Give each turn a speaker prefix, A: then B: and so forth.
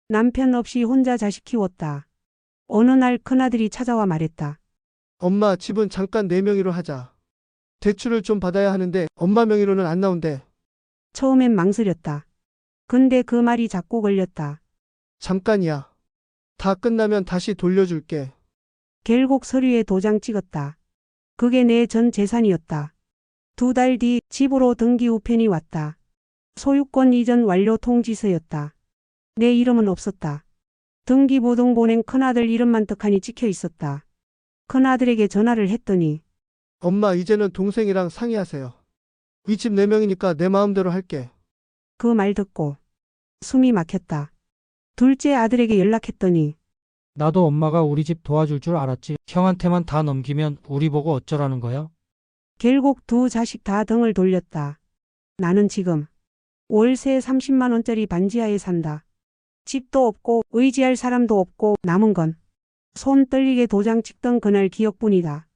A: 남편 없이 혼자 자식 키웠다. 어느 날 큰아들이 찾아와 말했다.
B: 엄마, 집은 잠깐 내 명의로 하자. 대출을 좀 받아야 하는데 엄마 명의로는 안 나온대.
A: 처음엔 망설였다. 근데 그 말이 자꾸 걸렸다.
B: 잠깐이야. 다 끝나면 다시 돌려줄게.
A: 결국 서류에 도장 찍었다. 그게 내 전 재산이었다. 2달 뒤 집으로 등기 우편이 왔다. 소유권 이전 완료 통지서였다. 내 이름은 없었다. 등기부등본엔 큰아들 이름만 떡하니 찍혀 있었다. 큰아들에게 전화를 했더니
B: 엄마, 이제는 동생이랑 상의하세요. 이 집 내 명이니까 내 마음대로 할게.
A: 그 말 듣고 숨이 막혔다. 둘째 아들에게 연락했더니
C: 나도 엄마가 우리 집 도와줄 줄 알았지. 형한테만 다 넘기면 우리 보고 어쩌라는 거야?
A: 결국 두 자식 다 등을 돌렸다. 나는 지금 월세 30만 원짜리 반지하에 산다. 집도 없고 의지할 사람도 없고 남은 건 손 떨리게 도장 찍던 그날 기억뿐이다.